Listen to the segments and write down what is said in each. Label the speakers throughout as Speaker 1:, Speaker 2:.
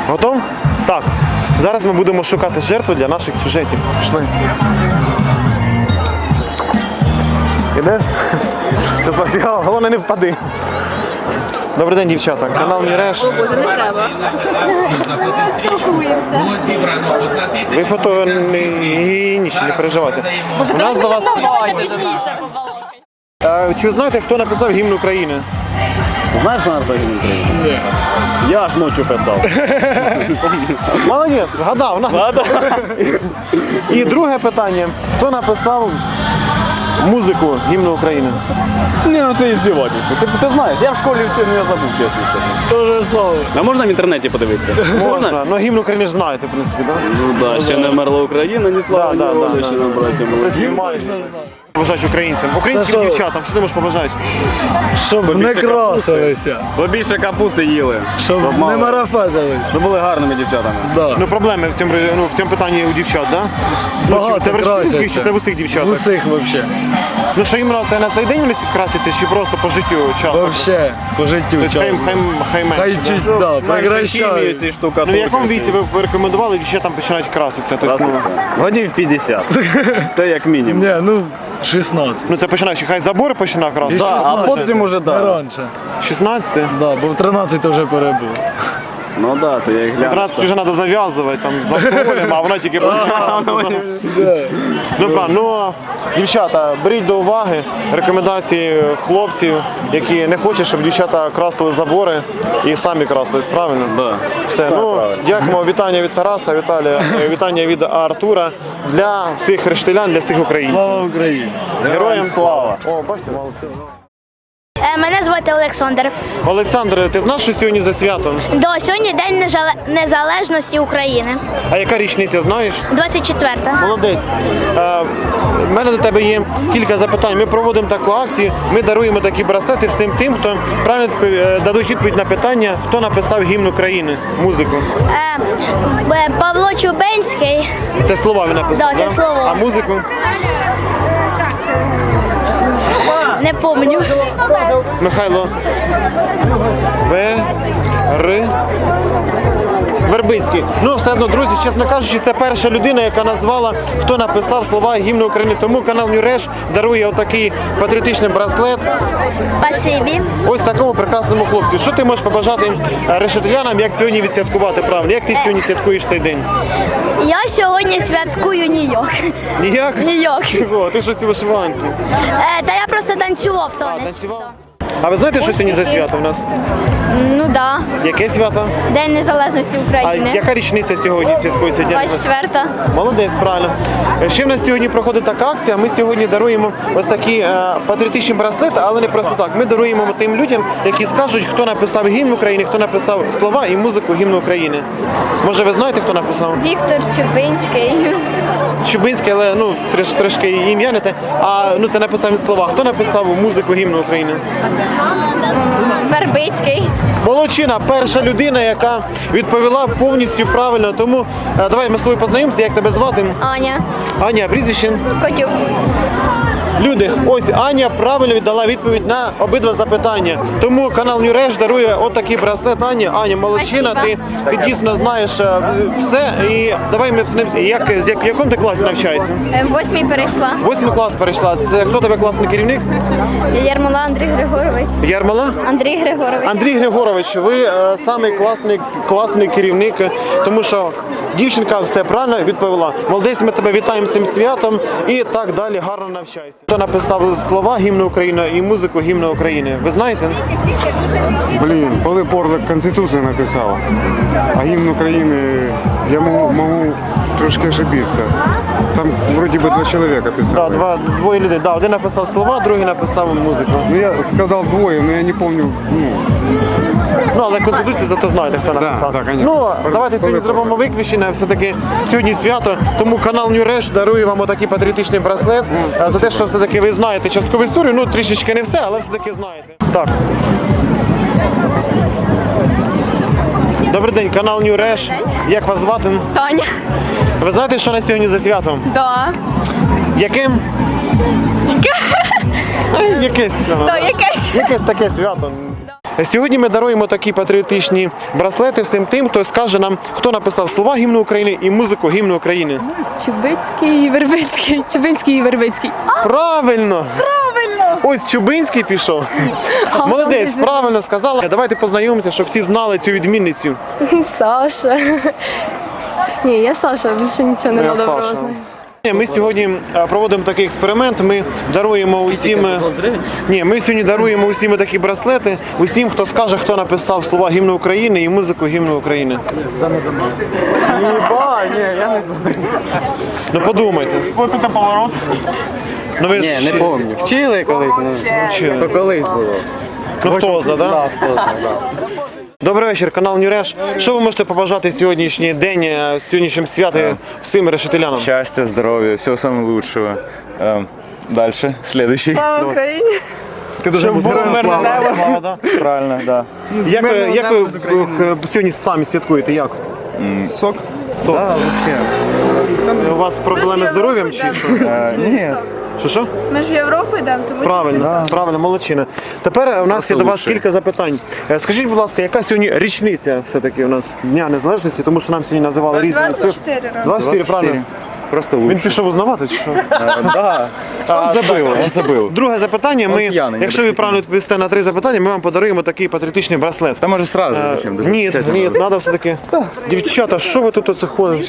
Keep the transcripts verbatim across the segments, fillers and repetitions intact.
Speaker 1: Готов? Так. Зараз ми будемо шукати жертву для наших сюжетів. Пішли. Ідеш? Головне, не впади. Добрий день, дівчата. Канал Міреш.
Speaker 2: О, Боже, не треба.
Speaker 1: Ви фотогенічні, не переживайте. У нас до вас... А, чи ви знаєте, хто написав гімн України?
Speaker 3: Знаєш, що написав гімн України? Ні. Я ж ночі писав.
Speaker 1: Молодець, вгадав. І друге питання. Хто написав музику гімну України?
Speaker 3: Ні, ну це іздівательство. Ти, ти знаєш, я в школі вчив, але я забув, чесно скажу.
Speaker 1: Тоже слово.
Speaker 3: А можна в інтернеті подивитися?
Speaker 1: Можна. Ну гімн України ж знаєте, в принципі, так?
Speaker 3: Ну так, да, ще не вмерла Україна, ні слава,
Speaker 1: Да,
Speaker 3: ні
Speaker 1: да,
Speaker 3: воля,
Speaker 1: да,
Speaker 3: ще
Speaker 1: да.
Speaker 3: нам, браття, молоді.
Speaker 1: Побажати українцям. Українським дівчатам, що ти можеш побажати?
Speaker 4: Щоб не красилися,
Speaker 3: Побільше капусти їли.
Speaker 4: щоб
Speaker 3: мало.
Speaker 4: не марафетились.
Speaker 3: Щоб були гарними дівчатами.
Speaker 4: Да.
Speaker 1: Ну проблеми в цьому, ну, в цьому питанні у дівчат, так? Да?
Speaker 4: Багато
Speaker 1: Це в Решетилівських чи це в
Speaker 4: красяться.
Speaker 1: усіх дівчатах?
Speaker 4: Усіх вообще.
Speaker 1: Ну що іменно це на цей день вони красяться чи просто по життю часто?
Speaker 4: Вообще, по життю
Speaker 1: Тобто хай,
Speaker 4: часу.
Speaker 1: хай, хай менше,
Speaker 4: Хай
Speaker 1: да?
Speaker 4: чуть, да, прекращають.
Speaker 3: ці штука.
Speaker 1: Ну в якому віці ви б рекомендували дівчатам починають краситися? Тобто, ну,
Speaker 3: Годів п'ятдесят. Це як мінімум.
Speaker 4: Ні, ну, шістнадцять.
Speaker 1: ну це починаючи, хай забори починав
Speaker 4: І
Speaker 1: красити.
Speaker 3: Да, а потім уже
Speaker 4: Не
Speaker 3: да.
Speaker 4: раніше.
Speaker 1: шістнадцять?
Speaker 4: Да, бо в тринадцять вже перебув.
Speaker 3: Ну так, да, то я їх гляну.
Speaker 1: тринадцять вже треба зав'язувати там з алкоголем, а вона тільки почне краситися. Добре, ну дівчата, беріть до уваги рекомендації хлопців, які не хочуть, щоб дівчата красили забори і самі красились, правильно?
Speaker 3: Да.
Speaker 1: Все,
Speaker 3: Все
Speaker 1: ну
Speaker 3: правильно.
Speaker 1: дякуємо. Вітання від Тараса, Віталія, е, вітання від Артура для всіх рештилян, для всіх українців.
Speaker 4: Слава Україні!
Speaker 1: Героям слава! О, бачите, молодці.
Speaker 5: Е, Мене звати Олександр.
Speaker 1: Олександр, ти знаєш, що сьогодні за свято?
Speaker 5: До сьогодні День Нежале- Незалежності України.
Speaker 1: А яка річниця, знаєш?
Speaker 5: двадцять четверта.
Speaker 1: Молодець. Е, в мене до тебе є кілька запитань. Ми проводимо таку акцію, ми даруємо такі браслети всім тим, хто правильно е, дадуть відповідь на питання, хто написав гімн України, музику.
Speaker 5: Е, Б- Павло Чубенський.
Speaker 1: Це слова він написав,
Speaker 5: Да, це слова.
Speaker 1: А музику?
Speaker 5: Не помню.
Speaker 1: Михайло. В. Р. Вербицький. Ну, все одно, друзі, чесно кажучи, це перша людина, яка назвала, хто написав слова гімну України. Тому канал Нюреш дарує отакий патріотичний браслет
Speaker 5: Спасибі.
Speaker 1: ось такому прекрасному хлопцю. Що ти можеш побажати е, решетилянам, як сьогодні відсвяткувати правильно? Як ти сьогодні святкуєш цей день?
Speaker 5: Я сьогодні святкую Нью-Йорк.
Speaker 1: Ніяк?
Speaker 5: Нью-Йорк.
Speaker 1: Чого? Ти щось у вишиванці.
Speaker 5: Е, Та я просто танцював то
Speaker 1: А,
Speaker 5: не
Speaker 1: танцював?
Speaker 5: свято.
Speaker 1: А ви знаєте, що сьогодні за свято в нас?
Speaker 5: Ну да.
Speaker 1: Яке свято?
Speaker 5: День Незалежності
Speaker 1: А
Speaker 5: України.
Speaker 1: яка річниця сьогодні святкується? Дня
Speaker 5: двадцять четверта.
Speaker 1: Молодець, правильно. Ще в нас сьогодні проходить така акція. Ми сьогодні даруємо ось такі е, патріотичні браслети, але не просто так. Ми даруємо тим людям, які скажуть, хто написав гімн України, хто написав слова і музику гімну України. Може, ви знаєте, хто написав?
Speaker 5: Віктор Чубинський.
Speaker 1: Чубинський, але ну треш, трошки ім'я не те. А ну це написав він слова. Хто написав музику гімну України?
Speaker 5: Вербицький.
Speaker 1: Молодчина, перша людина, яка відповіла повністю правильно. Тому е, давай ми з тобою познайомимося. Як тебе звати?
Speaker 5: Аня.
Speaker 1: Аня, а прізвище?
Speaker 5: Котюк.
Speaker 1: Люди, ось Аня правильно віддала відповідь на обидва запитання. Тому канал Нюреш дарує отакий браслет Ані. Аня, молодчина, ти, ти дійсно знаєш е, все. І давай ми як з як, в якому ти класі навчаєшся?
Speaker 5: Е, В восьмій перейшла.
Speaker 1: Восьмий клас перейшла. Це хто тебе класний керівник?
Speaker 5: Ярмола Андрій Григорович.
Speaker 1: Ярмала?
Speaker 5: Андрій Григорович.
Speaker 1: Андрій Григорович, ви е, самий класний, класний керівник, тому що дівчинка все правильно відповіла. Молодець, ми тебе вітаємо з цим святом і так далі, гарно навчайся. Хто написав слова гімну України і музику гімну України? Ви знаєте?
Speaker 6: Блин, Пилип Орлик Конституцію написав, а гімн України я можу, можу трошки ошибитися. Там вроді би два чоловіка
Speaker 1: Да,
Speaker 6: писали.
Speaker 1: два, двоє людей. Да, один написав слова, другий написав музику.
Speaker 6: Ну я сказав двоє, але я не пам'ятаю. Ну,
Speaker 1: Ну, але Конституцію зато знаєте, хто написав.
Speaker 6: да, конечно.
Speaker 1: Ну, давайте сьогодні зробимо виключення, все-таки сьогодні свято, тому канал Нюреш дарує вам отакий патріотичний браслет е, за те, що все-таки ви знаєте часткову історію, ну трішечки не все, але все-таки знаєте. Так. Добрий день, канал Нюреш. Як вас звати?
Speaker 2: Таня.
Speaker 1: Ви знаєте, що на сьогодні за свято?
Speaker 2: Да.
Speaker 1: Яким? Е, Якесь.
Speaker 2: Да, якесь.
Speaker 1: Якесь таке свято. Сьогодні ми даруємо такі патріотичні браслети всім тим, хто скаже нам, хто написав слова гімну України і музику гімну України.
Speaker 2: Чубицький, Вербицький, Чубинський і Вербицький.
Speaker 1: Правильно! Правильно! Ось Чубинський пішов. Молодець, правильно сказала. Давайте познайомимося, щоб всі знали цю відмінницю.
Speaker 2: Саша. Ні, я Саша, більше нічого не
Speaker 1: Я
Speaker 2: надо
Speaker 1: Саша.
Speaker 2: знати.
Speaker 1: Ми сьогодні е, проводимо такий експеримент. Ми даруємо усім. Ні, ми сьогодні даруємо усім такі браслети, усім, хто скаже, хто написав слова гімну України і музику гімну України.
Speaker 3: Єба, ні, я не знаю.
Speaker 1: Ну подумайте.
Speaker 3: Ось це поворот.
Speaker 1: Ну ви
Speaker 7: Ні,
Speaker 1: ж-
Speaker 7: не пам'ятаю. Вчили колись, ну,
Speaker 1: Вчили.
Speaker 7: то колись було.
Speaker 1: Ну хто знає, да?
Speaker 7: Так, хто знає, так.
Speaker 1: Добрий вечір, канал Нюреш. Що ви можете побажати сьогоднішній день, е, сьогоднішнім святом всім решетилянам?
Speaker 8: Счастья, здоровья, всего самого лучшего. Эм, Дальше, следующий.
Speaker 2: Слава Україні!
Speaker 1: Ти дуже слава, да?
Speaker 8: Правильно, да.
Speaker 1: Як ви, як ви е, сьогодні самі святкуєте? Як?
Speaker 8: Сок?
Speaker 1: Сок.
Speaker 8: Да, вообще.
Speaker 1: У вас проблеми з здоров'ям чи що?
Speaker 8: Э, Нет.
Speaker 1: Що що?
Speaker 2: Ми ж в Європу йдемо, тому
Speaker 1: Правильно, правильно, молодчина. Тепер у нас є до вас
Speaker 8: лучше.
Speaker 1: кілька запитань. Е, Скажіть, будь ласка, яка сьогодні річниця все-таки у нас Дня Незалежності, тому що нам сьогодні називали різні цифри.
Speaker 2: двадцять чотири роки.
Speaker 1: двадцять чотири, правильно.
Speaker 8: Просто
Speaker 1: Він
Speaker 8: лучше.
Speaker 1: пішов узнавати чи що?
Speaker 8: Э, Да. Он забыл, он забыл.
Speaker 1: Друге запитання. Ми,
Speaker 8: п'яний,
Speaker 1: якщо ви
Speaker 8: не
Speaker 1: правильно відповісте на три запитання, ми вам подаруємо такий патріотичний браслет.
Speaker 8: Там уже сразу
Speaker 1: Е,
Speaker 8: зачем? Даже
Speaker 1: Ні,
Speaker 8: печать
Speaker 1: ні,
Speaker 8: надо.
Speaker 1: треба все-таки. Дівчата, що ви тут оце ходите?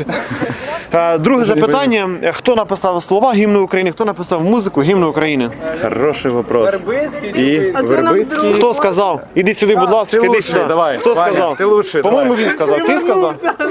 Speaker 1: Е, Друге запитання. Хто написав слова гімну України, хто написав музику гімну України?
Speaker 8: Хороший вопрос. И Вербицкий.
Speaker 1: Хто сказав? Іди сюди, будь ласка, іди
Speaker 8: лучший,
Speaker 1: сюди.
Speaker 8: давай.
Speaker 1: Хто
Speaker 8: Ваня,
Speaker 1: сказав?
Speaker 8: ти лучший,
Speaker 1: По-моєму,
Speaker 8: давай.
Speaker 1: він сказав. Ти сказав?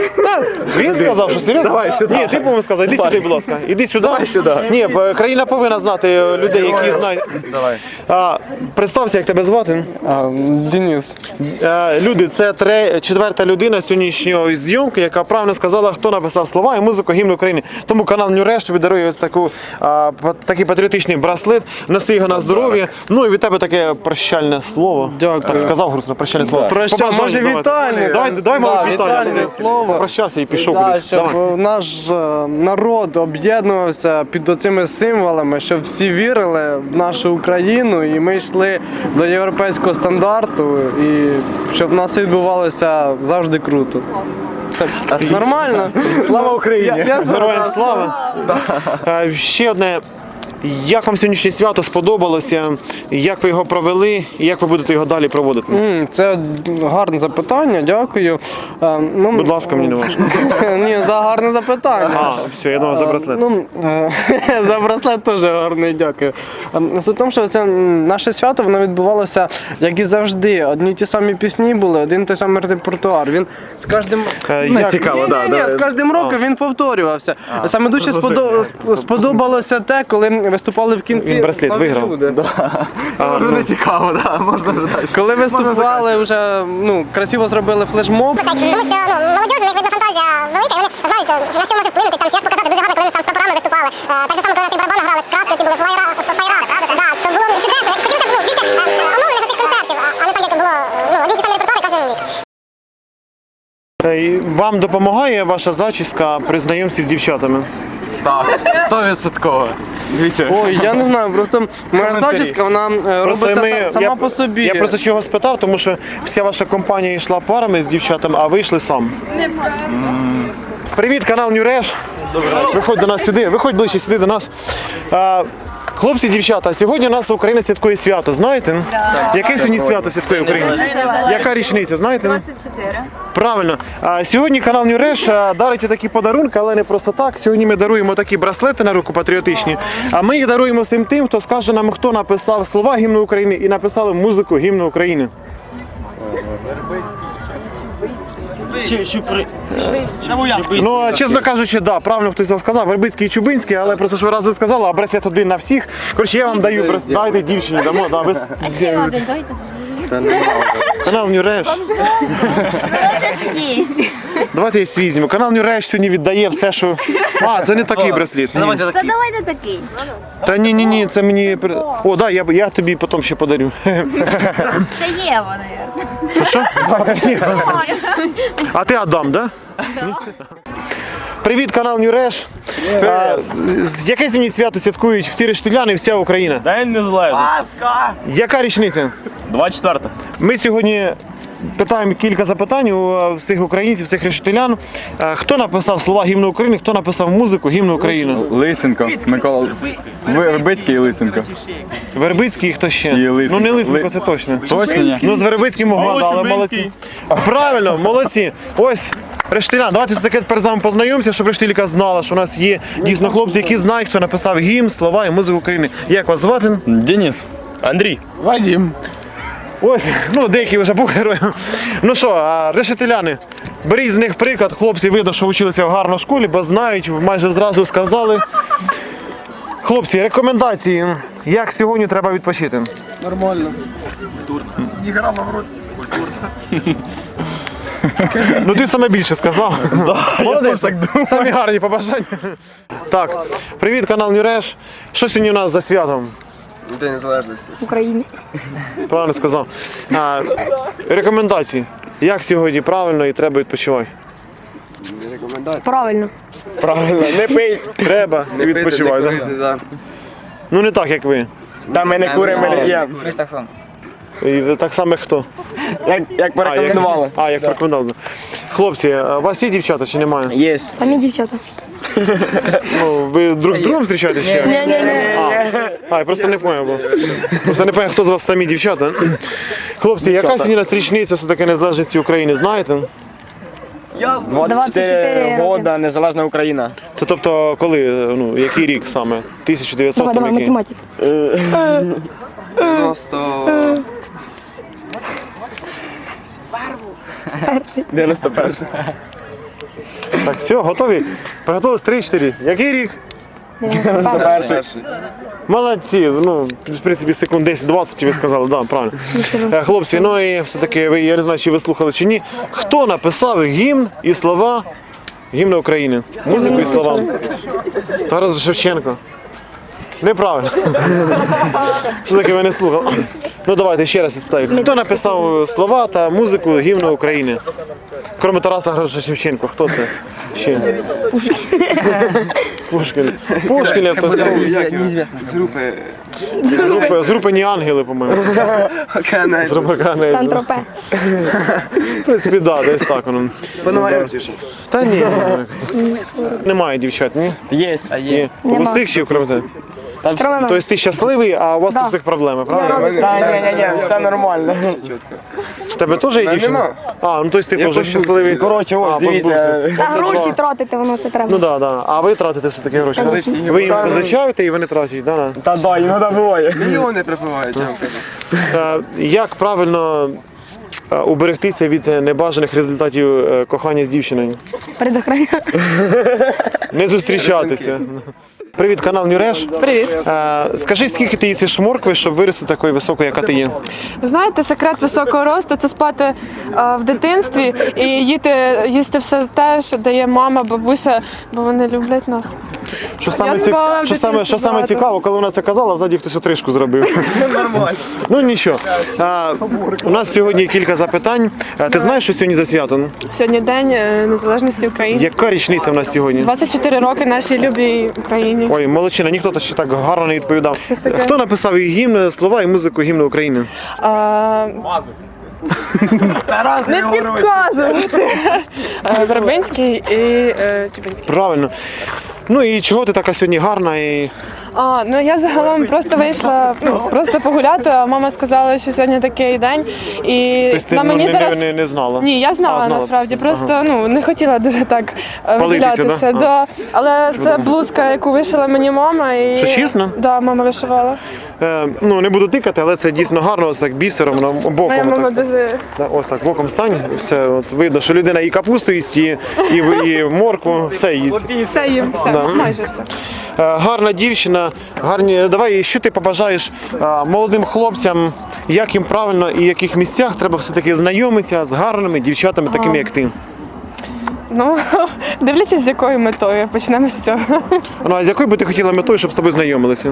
Speaker 1: Він сказав, що серйозно?
Speaker 8: Давай сюди.
Speaker 1: Ні, ти, по-моєму, сказав. Іди сюди, будь ласка. Іди сюди.
Speaker 8: Давай сюди.
Speaker 1: Ні, бо країна повинна знати людей, які знають.
Speaker 8: Давай.
Speaker 1: А, представся, як тебе звати.
Speaker 3: Денис.
Speaker 1: Е, Люди, це тре- четверта людина сьогоднішньої зйомки, яка правильно сказала, хто написав слова і музику гімну України. Тому канал Нюреш тобі дарує ось таку, а, па- такий патріотичний браслет. Носи його на здоров'я. Ну і від тебе таке прощальне слово.
Speaker 3: Дякую.
Speaker 1: Так сказав грустно, прощальне слово.
Speaker 3: Проща-
Speaker 1: Побажання
Speaker 3: може,
Speaker 1: давай.
Speaker 3: вітальне?
Speaker 1: Давай, давай,
Speaker 3: Да,
Speaker 1: мабуть,
Speaker 3: вітальне
Speaker 1: вітальне
Speaker 3: слово.
Speaker 1: Прощався і пішов
Speaker 3: Да,
Speaker 1: кудись.
Speaker 3: щоб
Speaker 1: Давай.
Speaker 3: е, наш е, народ об'єднувався під оцими символами, щоб всі вірили в нашу Україну і ми йшли до європейського стандарту, і щоб в нас відбувалося завжди круто. Так, нормально?
Speaker 8: Слава Україні!
Speaker 3: Я
Speaker 1: Героям слава. Е, Ще одне. Як вам сьогоднішнє свято сподобалося? Як ви його провели і як ви будете його далі проводити?
Speaker 3: М, Це гарне запитання, дякую. Е, Ну,
Speaker 1: Будь ласка, мені не важко.
Speaker 3: Ні, за гарне запитання.
Speaker 1: А, все, я думав за браслет.
Speaker 3: Ну, е, за браслет теж гарний, дякую. Ем, Суть в тому, що це м, наше свято, воно відбувалося, як і завжди. Одні й ті самі пісні були, один і той самий репертуар. Він з кожним
Speaker 1: Е,
Speaker 3: Ні,
Speaker 1: як-
Speaker 3: ні, ні, ні, з кожним роком він повторювався. Саме дуже сподо- сп- сподобалося те, коли виступали в кінці.
Speaker 1: Він браслет
Speaker 3: нові
Speaker 1: виграв.
Speaker 3: люди.
Speaker 1: А, ну,
Speaker 8: Не цікаво, да, можна вже далі.
Speaker 3: Коли виступали, вже ну, красиво зробили флешмоб.
Speaker 9: Тому що ну, молодіж, у них видно фантазія велика, і вони знають, на що може вплинути, там, чи як показати дуже гарно, коли вони там з прапорами виступали. Е, Так же само, коли на ті барабани грали, краски, ці були флайра, флайра, да, то було чудесно. Хотілося б ну, більше е, оновлених цих концертів, а а не так, як було ну, одні й ті самі репертуари кожен рік.
Speaker 1: е, і Вам допомагає ваша зачіска при знайомстві з дівчатами?
Speaker 8: Так, стовідсотково. Дивіться.
Speaker 3: Ой, я не знаю, просто моя
Speaker 8: Коментарі.
Speaker 3: зачіска, вона е,
Speaker 1: Просто
Speaker 3: робиться
Speaker 1: ми-
Speaker 3: са- сама
Speaker 1: я,
Speaker 3: по собі.
Speaker 1: Я просто чого спитав, тому що вся ваша компанія йшла парами з дівчатами, а ви йшли сам. Привіт, канал Нюреш. Виходь до нас сюди, виходь ближче сюди до нас. А, хлопці, дівчата, сьогодні у нас Україна святкує свято, знаєте? Яке сьогодні свято святкує Україна? Яка річниця, знаєте?
Speaker 2: двадцять чотири.
Speaker 1: Правильно. А сьогодні канал Нюреш а, дарить такі подарунки, але не просто так. Сьогодні ми даруємо такі браслети на руку патріотичні. А ми їх даруємо всім тим, хто скаже нам, хто написав слова гімну України і написали музику гімну України. Ну, а, чесно кажучи, да, правильно хтось вам сказав, Вербицький і Чубинський, але просто що ви разом сказали, а браслет один на всіх. Коротше, я вам даю браслет, дайте дівчині, дамо, да, без... Канал Нюреш. Давайте я свій візьму. Канал Нюреш сьогодні віддає все, що... А, це не такий браслет. Ні.
Speaker 5: Та давайте такий.
Speaker 1: Та ні, ні, ні, це мені... при- О, да, я, я тобі потім ще подарю.
Speaker 5: Це є вони.
Speaker 1: Що? А ти Адам, да? Привіт, канал Нюреш. А, з- Яке сьогодні свято святкують всі рештиляни і вся Україна?
Speaker 3: День незалежності.
Speaker 1: Яка річниця?
Speaker 3: двадцять четверте.
Speaker 1: Ми сьогодні питаємо кілька запитань у всіх українців, всіх решетилян. Е, Хто написав слова гімну України, хто написав музику гімну України?
Speaker 8: Лисенко, Микола Вербицький і Лисенко.
Speaker 1: Вербицький і хто ще?
Speaker 8: І Лисенко.
Speaker 1: Ну не Лисенко,
Speaker 8: Ли-
Speaker 1: це точно.
Speaker 8: Точно ні?
Speaker 1: Ну з Вербицьким могла, да, але молодці. Правильно, молодці. Ось, Рештилян, давайте все-таки тепер з вами познайомимося, щоб Рештилька знала, що у нас є дійсно хлопці, які знають, хто написав гімн, слова і музику України. Як вас звати?
Speaker 8: Денис.
Speaker 4: Андрій.
Speaker 1: Ось, ну деякі вже був героєм. Ну що, а, решетиляни, беріть з них приклад, хлопці видно, що вчилися в гарній школі, бо знають, майже зразу сказали. Хлопці, рекомендації, як сьогодні треба відпочити?
Speaker 3: Нормально.
Speaker 1: Ну ти саме більше сказав. Молодець, так думаю. Самі гарні побажання. Так, привіт, канал Нюреш. Що сьогодні у нас за святом?
Speaker 3: День Незалежності.
Speaker 2: України.
Speaker 1: Правильно сказав. А, рекомендації. Як сьогодні правильно і треба відпочивати?
Speaker 2: Правильно.
Speaker 1: Правильно, не пий. Треба і відпочивай. Да?
Speaker 3: Да.
Speaker 1: Ну не так, як ви.
Speaker 3: Та ми не куримо, ми не п'ємо.
Speaker 1: І так само як хто.
Speaker 3: Як, як порекомендували.
Speaker 1: А, як порекомендували. Хлопці, а у вас є дівчата чи немає?
Speaker 3: Є.
Speaker 2: Самі дівчата.
Speaker 1: Ну, ви друг з другом зустрічаєтесь ще?
Speaker 2: Ні-ні-ні.
Speaker 1: А, я просто не поняв. Бо. Просто не поняв, хто з вас самі дівчата. Хлопці, яка сьогодні у нас річниця все-таки незалежності України, знаєте?
Speaker 2: двадцять чотири
Speaker 3: года, незалежна Україна.
Speaker 1: Це тобто коли, ну, який рік саме? тисяча дев'ятсот
Speaker 2: Давай,
Speaker 1: там
Speaker 2: давай,
Speaker 1: який?
Speaker 2: математик.
Speaker 3: дев'яносто... дев'яносто перший.
Speaker 1: Так, все, готові? Приготувалися три-чотири. Який рік?
Speaker 3: Перший.
Speaker 1: Молодці, ну, в принципі, секунд десять-двадцять ви сказали, да, правильно. Е, Хлопці, ну і все-таки, ви, я не знаю, чи ви слухали чи ні, хто написав гімн і слова гімну України? Музику і слова. Тарас Шевченко. Неправильно. Все-таки ви не слухали. Ну давайте ще раз спитаю. Хто написав слова та музику гімну України? Крім Тараса Григоровича Шевченко, хто це? Ще? Пушкін. Пушкін. Пушкін, я хтось сказав.
Speaker 3: З групи.
Speaker 1: З групи, з групи «Ні ангели», по-моєму. З групи «Канець».
Speaker 2: Сан-Тропе.
Speaker 1: В принципі, да, десь так воно. Та ні, немає дівчат, ні?
Speaker 3: Є.
Speaker 1: Ні. У усіх чи окрім тебе? Тобто ти щасливий, а у вас у всіх проблеми, правильно?
Speaker 3: Та ні, ні, ні, все нормально.
Speaker 1: В тебе теж є дівчина? А, ну тобто ти теж щасливий.
Speaker 3: Коротше, ось,
Speaker 1: А,
Speaker 3: дивіться.
Speaker 1: позбувся.
Speaker 2: Та гроші тратити, воно це треба.
Speaker 1: Ну так, да, да. А ви тратите все-таки гроші? да? Ви їм позичаєте і вони тратять, да? да?
Speaker 3: Та да, іноді буває. Мільйони припливають.
Speaker 1: Е, Як правильно е, уберегтися від небажаних результатів е, кохання з дівчиною?
Speaker 2: Предохраняю.
Speaker 1: Не зустрічатися. Привіт, канал Нюреш.
Speaker 10: Привіт.
Speaker 1: Е, Скажи, скільки ти їсиш моркви, щоб вирости такою високою, яка ти є?
Speaker 10: Ви знаєте, секрет високого росту це спати е, в дитинстві і їти, їсти все те, що дає мама, бабуся, бо вони люблять нас.
Speaker 1: Що саме,
Speaker 10: Я
Speaker 1: ці...
Speaker 10: спала в
Speaker 1: що саме, що
Speaker 10: дитинстві
Speaker 1: саме
Speaker 10: багато.
Speaker 1: цікаво, коли вона це казала, ззаді хтось отрижку зробив.
Speaker 3: Нормально.
Speaker 1: Ну нічого. А, у нас сьогодні кілька запитань. А, ти знаєш, що сьогодні за свято?
Speaker 10: Сьогодні День е, Незалежності України.
Speaker 1: Яка річниця в нас сьогодні?
Speaker 10: двадцять чотири роки нашій любій Україні.
Speaker 1: Ой, молодчина, ніхто то ще так гарно не відповідав.
Speaker 10: Щось таке.
Speaker 1: Хто написав і гімн, слова і музику гімну України?
Speaker 10: А, Не підказувати. Е, Вербинський і е, Чубинський.
Speaker 1: Правильно. Ну і чого ти така сьогодні гарна і.
Speaker 10: А, ну я загалом просто вийшла ну, просто погуляти, а мама сказала, що сьогодні такий день. І
Speaker 1: Тобто ти
Speaker 10: на
Speaker 1: ну,
Speaker 10: мені
Speaker 1: не,
Speaker 10: зараз...
Speaker 1: не, не знала?
Speaker 10: Ні, я знала,
Speaker 1: А, знала.
Speaker 10: насправді, просто
Speaker 1: Ага.
Speaker 10: ну, не хотіла дуже так е,
Speaker 1: Палитися,
Speaker 10: виділятися.
Speaker 1: да?
Speaker 10: Да. Але це блузка, яку вишила мені мама. І...
Speaker 1: Що, чесно?
Speaker 10: Да, мама вишивала.
Speaker 1: Е, ну не буду тикати, але це дійсно гарно, ось так бісером, воно боком.
Speaker 10: Моя
Speaker 1: отак
Speaker 10: мама
Speaker 1: стане.
Speaker 10: дуже...
Speaker 1: Да, ось так, боком стань, і все, от видно, що людина і капусту їсть, і, і, і моркву, все їсть.
Speaker 10: І все їм, все,
Speaker 1: Да.
Speaker 10: майже все.
Speaker 1: Е, Гарна дівчина, гарні. Давай, що ти побажаєш е, молодим хлопцям, як їм правильно і в яких місцях треба все-таки знайомитися з гарними дівчатами, такими як ти?
Speaker 10: Ну, дивлячись, з якою метою, почнемо з цього.
Speaker 1: Ну, а з якою би ти хотіла метою, щоб з тобою знайомилися?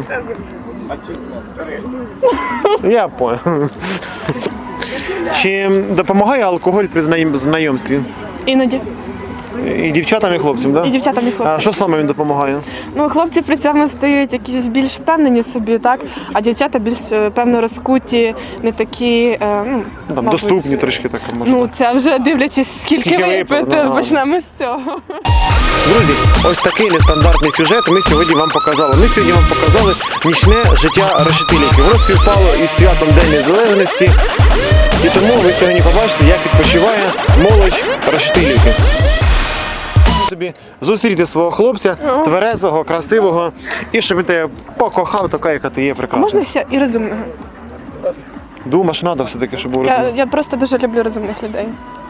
Speaker 1: Я понял. Чи допомагає алкоголь при знайом- знайомстві?
Speaker 10: Іноді.
Speaker 1: І дівчатам, і хлопцям, так?
Speaker 10: І дівчатам, і хлопцям.
Speaker 1: А що саме він допомагає?
Speaker 10: Ну, хлопці при цьому стають якісь більш впевнені собі, так? А дівчата більш е, певно розкуті, не такі, е, ну,
Speaker 1: Ну, Там
Speaker 10: мабуть,
Speaker 1: доступні трішки так, може.
Speaker 10: Ну, це вже дивлячись, скільки,
Speaker 1: Скільки випили,
Speaker 10: випити,
Speaker 1: ну,
Speaker 10: почнемо з цього.
Speaker 1: Друзі, ось такий нестандартний сюжет ми сьогодні вам показали. Ми сьогодні вам показали нічне життя решетилівки. Воно співпало із святом День Незалежності. І тому ви сьогодні побачите, як відпочиває молодь Решетилівки. Собі зустріти свого хлопця, тверезого, красивого, і щоб він тебе покохав, така, яка ти є,
Speaker 10: А
Speaker 1: прекрасна.
Speaker 10: можна ще і розумного?
Speaker 1: Думаєш, треба все-таки, щоб був
Speaker 10: Я,
Speaker 1: розумний.
Speaker 10: я просто дуже люблю розумних людей.